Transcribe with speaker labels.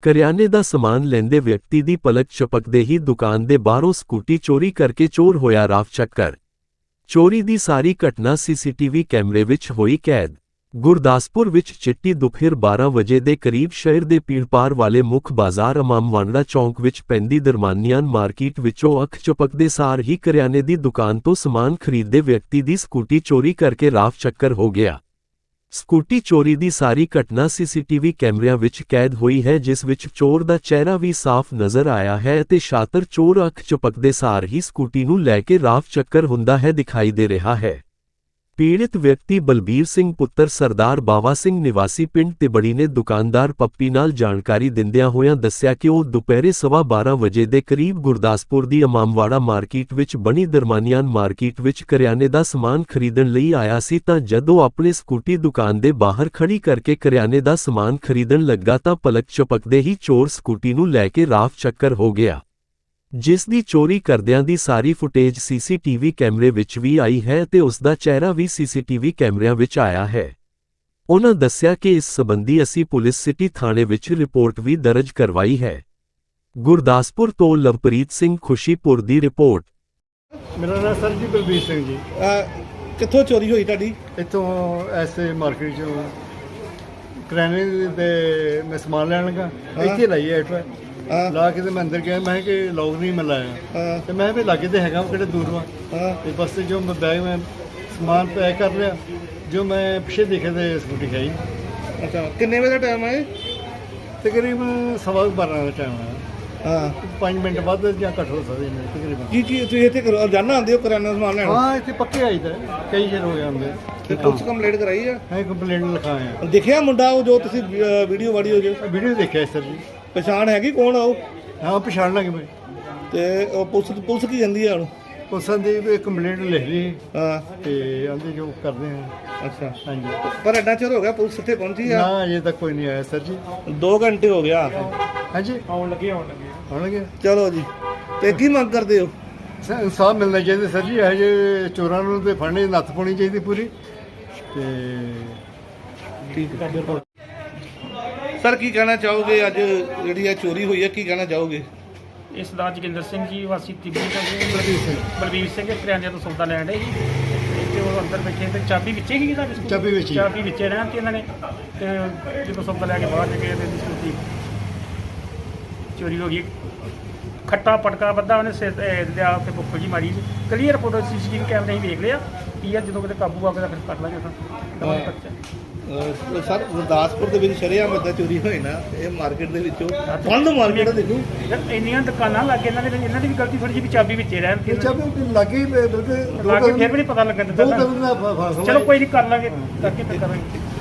Speaker 1: ਕਰਿਆਨੇ ਦਾ ਸਮਾਨ ਲੈਂਦੇ ਵਿਅਕਤੀ ਦੀ ਪਲਕ ਝਪਕਦੇ ਹੀ ਦੁਕਾਨ ਦੇ ਬਾਹਰੋਂ ਸਕੂਟੀ ਚੋਰੀ ਕਰਕੇ ਚੋਰ ਹੋਇਆ ਰਾਫ ਚੱਕਰ। ਚੋਰੀ ਦੀ ਸਾਰੀ ਘਟਨਾ ਸੀਸੀਟੀਵੀ ਕੈਮਰੇ ਵਿੱਚ ਹੋਈ ਕੈਦ। ਗੁਰਦਾਸਪੁਰ ਵਿੱਚ ਚਿੱਟੀ ਦੁਪਹਿਰ 12 ਵਜੇ ਦੇ ਕਰੀਬ ਸ਼ਹਿਰ ਦੇ ਭੀੜਭਾੜ ਵਾਲੇ ਮੁੱਖ ਬਾਜ਼ਾਰ ਇਮਾਮਵਾੜਾ ਚੌਂਕ ਵਿੱਚ ਪੈਂਦੀ ਦਰਮਾਨੀਆਂ ਮਾਰਕੀਟ ਵਿੱਚੋਂ ਅੱਖ ਝਪਕਦੇ ਸਾਰ ਹੀ ਕਰਿਆਨੇ ਦੀ ਦੁਕਾਨ ਤੋਂ ਸਮਾਨ ਖਰੀਦਦੇ ਵਿਅਕਤੀ ਦੀ ਸਕੂਟੀ ਚੋਰੀ ਕਰਕੇ ਰਾਫ ਚੱਕਰ ਹੋ ਗਿਆ। ਸਕੂਟੀ ਚੋਰੀ ਦੀ ਸਾਰੀ ਘਟਨਾ ਸੀਸੀਟੀਵੀ ਕੈਮਰਿਆਂ ਵਿੱਚ ਕੈਦ ਹੋਈ ਹੈ, ਜਿਸ ਵਿੱਚ ਚੋਰ ਦਾ ਚਿਹਰਾ ਵੀ ਸਾਫ਼ ਨਜ਼ਰ ਆਇਆ ਹੈ ਅਤੇ ਸ਼ਾਤਰ ਚੋਰ ਅੱਖ ਝਪਕਦੇ ਸਾਰ ਹੀ ਸਕੂਟੀ ਨੂੰ ਲੈ ਕੇ ਰਾਫ ਚੱਕਰ ਹੁੰਦਾ ਹੈ ਦਿਖਾਈ ਦੇ ਰਿਹਾ ਹੈ। ਪੀੜਿਤ ਵਿਅਕਤੀ ਬਲਬੀਰ ਸਿੰਘ ਪੁੱਤਰ ਸਰਦਾਰ ਬਾਵਾ ਸਿੰਘ ਨਿਵਾਸੀ ਪਿੰਡ ਤਿਬੜੀ ਨੇ ਦੁਕਾਨਦਾਰ ਪੱਪੀ ਨਾਲ ਜਾਣਕਾਰੀ ਦਿੰਦਿਆਂ ਹੋਇਆਂ ਦੱਸਿਆ ਕਿ ਉਹ ਦੁਪਹਿਰੇ 12:15 ਵਜੇ ਦੇ ਕਰੀਬ ਗੁਰਦਾਸਪੁਰ ਦੀ ਇਮਾਮਵਾੜਾ ਮਾਰਕੀਟ ਵਿੱਚ ਬਣੀ ਦਰਮਾਨੀਆਂ ਮਾਰਕੀਟ ਵਿੱਚ ਕਰਿਆਨੇ ਦਾ ਸਮਾਨ ਖਰੀਦਣ ਲਈ ਆਇਆ ਸੀ ਤਾਂ ਜਦੋਂ ਆਪਣੀ ਸਕੂਟੀ ਦੁਕਾਨ ਦੇ ਬਾਹਰ ਖੜੀ ਕਰਕੇ ਕਰਿਆਨੇ ਦਾ ਸਮਾਨ ਖਰੀਦਣ ਲੱਗਾ ਤਾਂ ਪਲਕ ਝਪਕਦੇ ਹੀ ਚੋਰ ਸਕੂਟੀ ਨੂੰ ਲੈ ਕੇ ਰਾਫ ਚੱਕਰ ਹੋ ਗਿਆ, ਜਿਸ ਦੀ ਚੋਰੀ ਕਰਦਿਆਂ ਦੀ ਸਾਰੀ ਫੁਟੇਜ ਸੀਸੀਟੀਵੀ ਕੈਮਰੇ ਵਿੱਚ ਵੀ ਆਈ ਹੈ ਤੇ ਉਸ ਦਾ ਚਿਹਰਾ ਵੀ ਸੀਸੀਟੀਵੀ ਕੈਮਰਿਆਂ ਵਿੱਚ ਆਇਆ ਹੈ। ਉਨ੍ਹਾਂ ਦੱਸਿਆ ਕਿ ਇਸ ਸੰਬੰਧੀ ਅਸੀਂ ਪੁਲਿਸ ਸਿਟੀ ਥਾਣੇ ਵਿੱਚ ਰਿਪੋਰਟ ਵੀ ਦਰਜ ਕਰਵਾਈ ਹੈ। ਗੁਰਦਾਸਪੁਰ ਤੋਂ ਲਵਪ੍ਰੀਤ ਸਿੰਘ ਖੁਸ਼ੀਪੁਰ ਦੀ ਰਿਪੋਰਟ।
Speaker 2: ਮੇਰਾ ਨਾਮ ਸਰ ਜੀ ਬਲਬੀਰ ਸਿੰਘ ਜੀ।
Speaker 3: ਕਿੱਥੋਂ ਚੋਰੀ ਹੋਈ ਤੁਹਾਡੀ?
Speaker 2: ਇੱਥੋਂ ਐਸੇ ਮਾਰਕੀਟ ਚੋਂ ਕਰਿਆਨੇ ਦੇ ਮੈਂ ਸਮਾਨ ਲੈਣ ਲੱਗਾ, ਇੱਥੇ ਲਾਈ ਐਟ ਲਾ ਕੇ ਤੇ ਮੈਂ ਅੰਦਰ ਗਿਆ। ਮੈਂ ਕਿ ਲੋਕ ਨਹੀਂ ਮੈਂ ਲਾਇਆ ਤੇ ਮੈਂ ਵੀ ਲਾਗੇ ਤੇ ਹੈਗਾ ਕਿਹੜੇ ਦੂਰ ਵਾ ਤੇ ਬਸ ਤੇ ਜੋ ਮੈਂ ਬੈਗ ਮੈਂ ਸਮਾਨ ਪੈਕ ਕਰ ਲਿਆ, ਜੋ ਮੈਂ ਪਿੱਛੇ ਦੇਖਿਆ ਤੇ ਸਕੂਟੀ ਖਾਈ।
Speaker 3: ਅੱਛਾ, ਕਿੰਨੇ ਵਜੇ ਦਾ ਟਾਈਮ ਹੈ?
Speaker 2: ਤਕਰੀਬਨ 12:15 ਦਾ ਟਾਈਮ ਹੈ। 5 ਮਿੰਟ ਬਾਅਦ ਜਾਂ ਘੱਟ ਹੋ ਸਕਦੇ ਨੇ ਤਕਰੀਬਨ।
Speaker 3: ਕੀ ਤੁਸੀਂ ਇੱਥੇ ਰੋਜ਼ਾਨਾ ਆਉਂਦੇ ਹੋ ਕਰਿਆਨਾ ਸਮਾਨ ਲੈਣ?
Speaker 2: ਹਾਂ, ਇੱਥੇ ਪੱਕੇ ਆਈਦਾ ਕਈ ਚਿਰ ਹੋ ਜਾਂਦੇ।
Speaker 3: ਤੇ ਪੁਲਿਸ ਕੰਪਲੇਂਟ ਕਰਾਈ ਆ?
Speaker 2: ਹਾਂ, ਕੰਪਲੇਂਟ ਲਿਖਾਇਆ।
Speaker 3: ਦੇਖਿਆ ਮੁੰਡਾ ਉਹ ਜੋ ਤੁਸੀਂ ਵੀਡੀਓ ਜੋ
Speaker 2: ਵੀਡੀਓ ਦੇਖਿਆ ਸਰ ਜੀ।
Speaker 3: ਪਛਾਣ ਹੈਗੀ ਕੌਣ ਆ ਉਹ?
Speaker 2: ਹਾਂ, ਪਛਾਣ ਲਾਂਗੇ ਮੈਂ।
Speaker 3: ਤੇ ਉਹ ਪੁਲਿਸ ਕੀ ਜਾਂਦੀ ਆ ਹੁਣ?
Speaker 2: ਪੁਲਿਸ ਦੀ ਕੰਪਲੇਂਟ ਲਿਖ ਲਈ ਤੇ ਆਂਦੇ ਜੋ ਕਰਦੇ ਆ।
Speaker 3: ਅੱਛਾ,
Speaker 2: ਹਾਂਜੀ।
Speaker 3: ਪਰ ਐਡਾ ਚਿਰ ਹੋ ਗਿਆ ਪੁਲਿਸ ਇੱਥੇ ਪਹੁੰਚੀ ਆ?
Speaker 2: ਨਾ, ਅਜੇ ਤੱਕ ਕੋਈ ਨਹੀਂ ਆਇਆ ਸਰ ਜੀ।
Speaker 3: 2 ਘੰਟੇ ਹੋ ਗਿਆ।
Speaker 2: ਹਾਂਜੀ, ਆਉਣ ਲੱਗੇ।
Speaker 3: ਚਲੋ ਜੀ, ਤੇ ਕੀ ਮੰਗ ਕਰਦੇ ਹੋ?
Speaker 2: ਇਨਸਾਫ ਮਿਲਣਾ ਚਾਹੀਦਾ ਸਰ ਜੀ। ਇਹੋ ਜਿਹੇ ਚੋਰਾਂ ਨੂੰ ਤੇ ਫੜਨੇ ਦੀ ਨੱਥ ਪਾਉਣੀ ਚਾਹੀਦੀ ਪੂਰੀ। ਤੇ
Speaker 3: ਠੀਕ ਹੈ ਸਰ, ਕੀ ਕਹਿਣਾ ਚਾਹੋਗੇ? ਅੱਜ ਜਿਹੜੀ ਇਹ ਚੋਰੀ ਹੋਈ ਹੈ, ਕੀ ਕਹਿਣਾ ਚਾਹੋਗੇ?
Speaker 4: ਇਹ ਸਰਦਾਰ ਜੋਗਿੰਦਰ ਸਿੰਘ ਜੀ ਵਾਸੀ ਤਿਬੜੀ ਤੋਂ ਬਲਬੀਰ ਸਿੰਘ ਕਰਿਆਨੇ ਤੋਂ ਸੌਦਾ ਲੈਣ ਡੇ ਸੀ ਤੇ ਉਹ ਅੰਦਰ ਬੈਠੇ ਤੇ ਚਾਬੀ ਵਿੱਚੇ ਹੀ
Speaker 2: ਚਾਬੀ
Speaker 4: ਵਿੱਚੇ ਰਹਿਣ ਤੇ ਇਹਨਾਂ ਨੇ ਤੇ ਜਦੋਂ ਸੌਦਾ ਲੈ ਕੇ ਬਾਹਰ ਨਿਕਲੇ ਤੇ ਸਕੂਟੀ ਚੋਰੀ ਹੋ ਗਈ। ਖੱਟਾ ਪਟਕਾ ਵੱਧਾ ਉਹਨੇ ਸਿਰ ਲਿਆ ਤੇ ਬੁੱਕਲ ਜੀ ਮਾਰੀ। ਕਲੀਅਰ ਫੋਟੋ ਸੀਸੀਟੀਵੀ ਕੈਮਰੇ ਹੀ ਵੇਖ ਲਿਆ ਕੀ ਆ। ਜਦੋਂ ਕਿਤੇ ਕਾਬੂ ਆ ਕੇ ਤਾਂ ਫਿਰ ਕਰ ਲਾਂਗੇ
Speaker 3: ਸਰ, ਗੁਰਦਾਸਪੁਰ ਦੇ ਵਿੱਚ ਸ਼ਰੇਆਮ ਏਦਾਂ ਚੋਰੀ ਹੋਈ ਨਾ, ਇਹ ਮਾਰਕੀਟ ਦੇ ਵਿੱਚੋਂ ਬੰਦ ਮਾਰਕੀਟ ਦੇਖੋ
Speaker 4: ਇੰਨੀਆਂ ਦੁਕਾਨਾਂ ਲੱਗੇ ਇਹਨਾਂ ਦੀ ਵੀ ਗਲਤੀ ਥੋੜੀ ਜਿਹੀ ਵੀ ਚਾਬੀ ਵਿੱਚੇ ਰਹਿਣ
Speaker 2: ਚਾਬੀ ਲੱਗੀ
Speaker 4: ਫਿਰ ਵੀ ਨਹੀਂ ਪਤਾ ਲੱਗਣ ਦਿੱਤਾ। ਚਲੋ ਕੋਈ ਨਹੀਂ, ਕਰ ਲਾਂਗੇ ਕਰਕੇ ਕਰਾਂਗੇ।